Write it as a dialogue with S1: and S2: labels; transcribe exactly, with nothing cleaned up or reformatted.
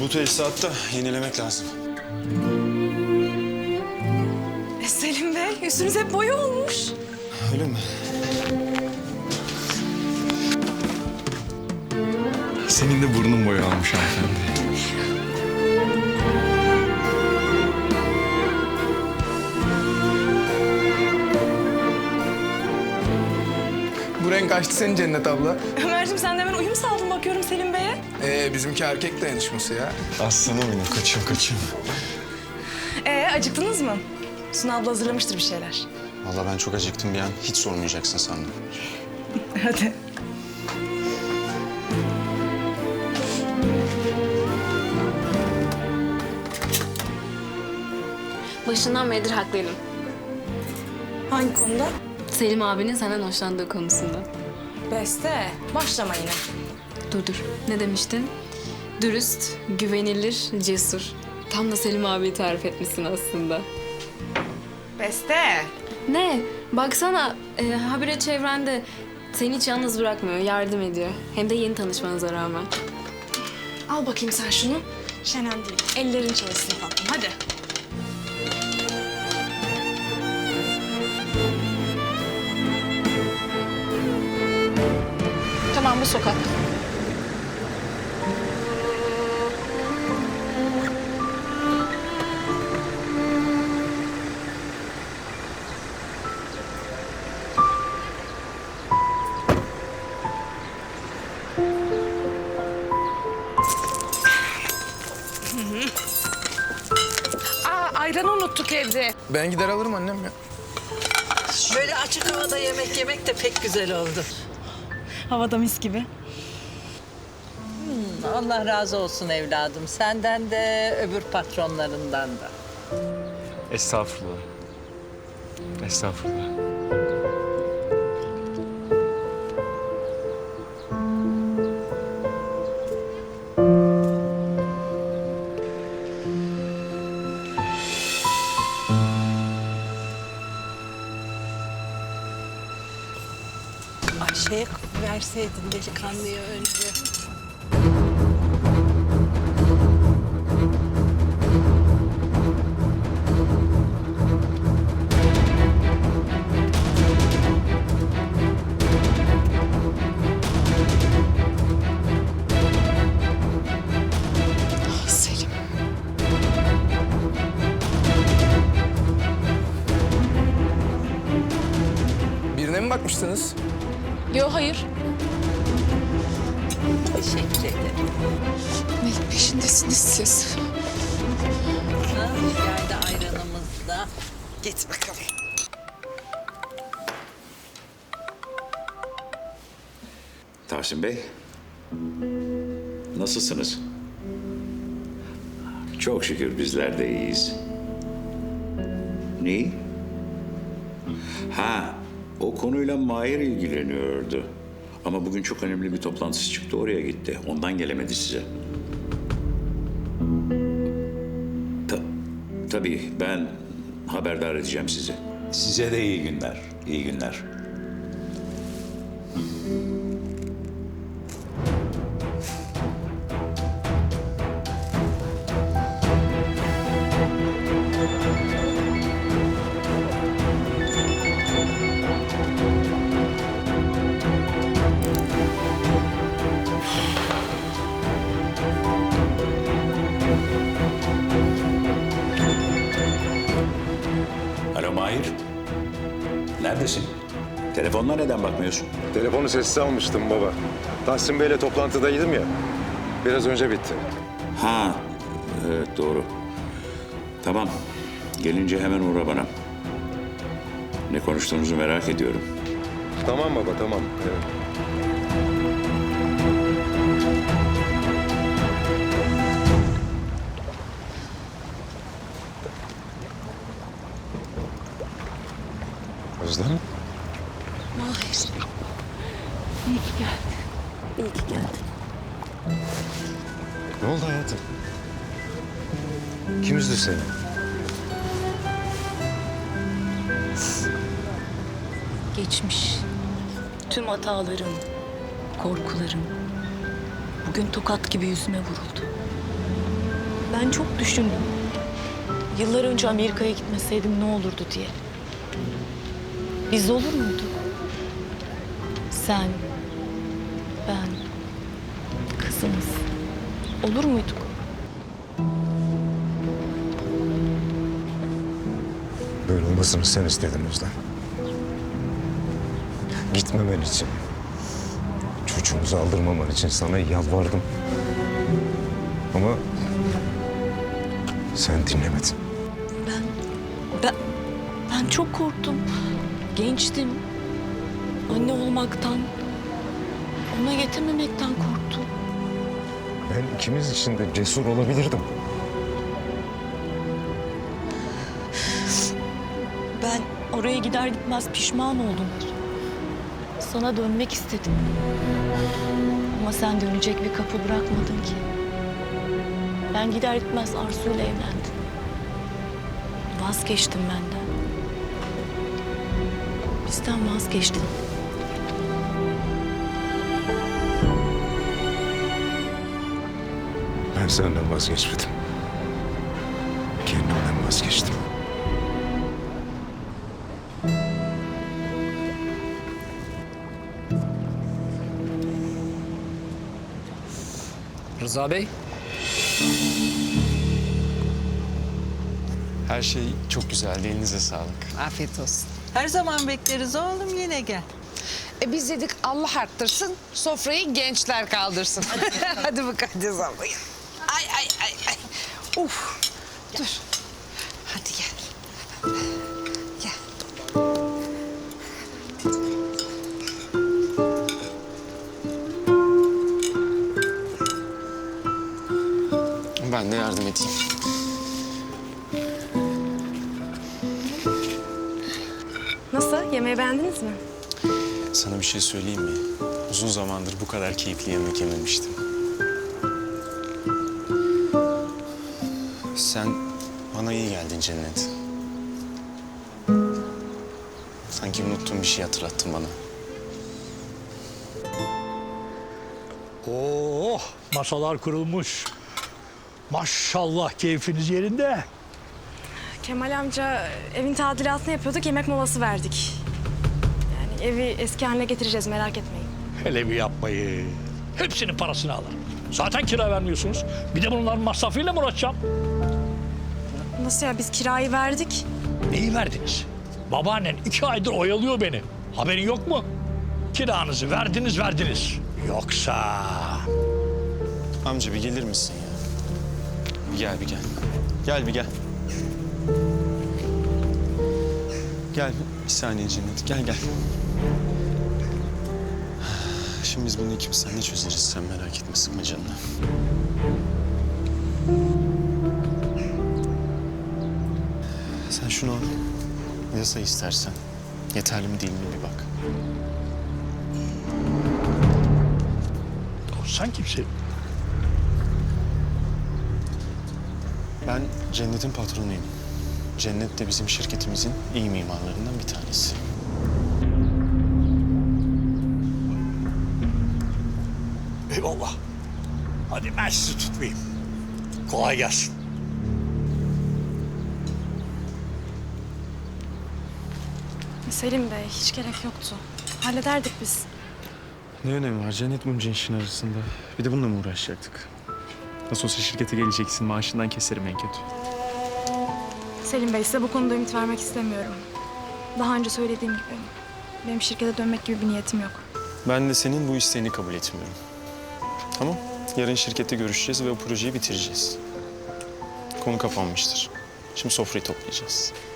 S1: Bu tesisatı da yenilemek lazım.
S2: E Selim Bey, yüzünüz hep boya olmuş.
S1: Öyle mi? Senin de burnun boya almış hanımefendi.
S3: Bu renk açtı senin Cennet abla.
S2: Ömerciğim sen de hemen uyum sağladın bakıyorum Selim Bey'e.
S3: Ee, bizimki erkek dayanışması ya.
S1: Aslanım benim, kaçayım kaçayım.
S2: Ee acıktınız mı? Suna abla hazırlamıştır bir şeyler.
S1: Vallahi ben çok acıktım bir an. Hiç sormayacaksın sandım.
S2: Hadi.
S4: Başından beridir haklıydım.
S2: Hangi konuda?
S4: Selim abinin senden hoşlandığı konusunda.
S2: Beste, başlama yine.
S4: Dur dur. Ne demiştin? Dürüst, güvenilir, cesur. Tam da Selim abiyi tarif etmişsin aslında.
S2: Beste.
S4: Ne? Baksana e, habire çevrende seni hiç yalnız bırakmıyor, yardım ediyor. Hem de yeni tanışmanıza rağmen.
S2: Al bakayım sen şunu. Şenen değil. Ellerin çalışsın tatlım, hadi. Tamam, bu sokak. Aa, ayranı unuttuk evde.
S3: Ben gider alırım annem ya.
S5: Böyle açık havada yemek yemek de pek güzel oldu.
S2: Havada mis gibi.
S5: Allah razı olsun evladım. Senden de öbür patronlarından da.
S1: Estağfurullah. Estağfurullah.
S5: Ayşe'ye verseydin delikanlıya önce.
S2: Selim.
S3: Birine mi bakmıştınız?
S4: Yo hayır.
S5: Teşekkür ederim.
S4: Neyin peşindesiniz siz?
S5: Ha, geldi ayranımız da. Git bakalım.
S6: Tahsin Bey, nasılsınız? Çok şükür bizler de iyiyiz. Ne? Ha, o konuyla Mahir ilgileniyordu. Ama bugün çok önemli bir toplantısı çıktı, oraya gitti. Ondan gelemedi size. Ta tabii, ben haberdar edeceğim sizi. Size de iyi günler, iyi günler. Alo Mahir. Neredesin? Telefonla neden bakmıyorsun?
S7: Telefonu sessiz almıştım baba. Tahsin Bey'le toplantıdaydım ya. Biraz önce bitti.
S6: Ha, evet doğru. Tamam, gelince hemen uğra bana. Ne konuştuğunuzu merak ediyorum.
S7: Tamam baba, tamam. Evet. Özlem?
S5: Mahir. İyi ki geldin. İyi ki geldin.
S7: Ne oldu hayatım? Kim üzdü seni?
S8: Geçmiş. Tüm hatalarım, korkularım bugün tokat gibi yüzüme vuruldu. Ben çok düşündüm. Yıllar önce Amerika'ya gitmeseydim ne olurdu diye. Biz olur muyduk? Sen, ben, kızımız. Olur muyduk?
S7: Böyle olmasını sen istedin Özlem. Gitmemen için, çocuğumuzu aldırmaman için sana yalvardım. Ama sen dinlemedin.
S8: Ben, ben, ben çok korktum. Gençtim. Anne olmaktan, ona yetememekten korktum.
S7: Ben ikimiz için de cesur olabilirdim.
S8: Ben oraya gider gitmez pişman oldum. Sana dönmek istedim. Ama sen dönecek bir kapı bırakmadın ki. Ben gider gitmez Arzu'yla evlendim. Vazgeçtim benden. Bizden vazgeçtin.
S7: Ben senden vazgeçmedim. Kendimden vazgeçtim.
S9: Rıza Bey,
S1: Her şey çok güzeldi. Elinize sağlık.
S5: Afiyet olsun. Her zaman bekleriz oğlum, yine gel.
S10: E biz dedik Allah arttırsın, sofrayı gençler kaldırsın. Hadi mukaddes abla. Ay ay ay ay. Uf. Dur. Hadi gel. Gel.
S1: Ben de yardım edeyim.
S2: Nasıl? Yemeği beğendiniz mi?
S1: Sana bir şey söyleyeyim mi? Uzun zamandır bu kadar keyifli yemek yememiştim. Sen bana iyi geldin Cennet. Sanki unuttuğum bir şey hatırlattın bana.
S11: Oh, masalar kurulmuş. Maşallah keyfiniz yerinde.
S2: Kemal amca evin tadilatını yapıyorduk, yemek molası verdik. Yani evi eski haline getireceğiz, merak etmeyin.
S11: Hele bir yapmayın. Hepsinin parasını alırım. Zaten kira vermiyorsunuz. Bir de bunların masrafıyla mı uğraşacağım?
S2: Nasıl ya, biz kirayı verdik.
S11: Neyi verdiniz? Babaannen iki aydır oyalıyor beni. Haberin yok mu? Kiranızı verdiniz verdiniz. Yoksa...
S1: Amca bir gelir misin ya? Bir gel bir gel. Gel bir gel. Gel bir saniye Cennet. Gel gel. Şimdi biz bunu ikimiz seninle çözeriz. Sen merak etme, sıkma canını. Sen şunu al. Yasa istersen. Yeterli mi değil mi bir bak.
S11: Sen kimsin?
S1: Ben Cennet'in patronuyum. Cennet de bizim şirketimizin iyi mimarlarından bir tanesi.
S11: Eyvallah. Hadi ben sizi tutmayayım. Kolay gelsin.
S2: Selim Bey, hiç gerek yoktu. Hallederdik biz.
S1: Ne önemi var Cennet bunca işin arasında? Bir de bununla mı uğraşacaktık? Nasıl olsa şirkete geleceksin, maaşından keserim en kötü.
S2: Selim Bey, size bu konuda ümit vermek istemiyorum. Daha önce söylediğim gibi, benim şirkete dönmek gibi bir niyetim yok.
S1: Ben de senin bu isteğini kabul etmiyorum. Tamam, yarın şirkette görüşeceğiz ve o projeyi bitireceğiz. Konu kapanmıştır. Şimdi sofrayı toplayacağız.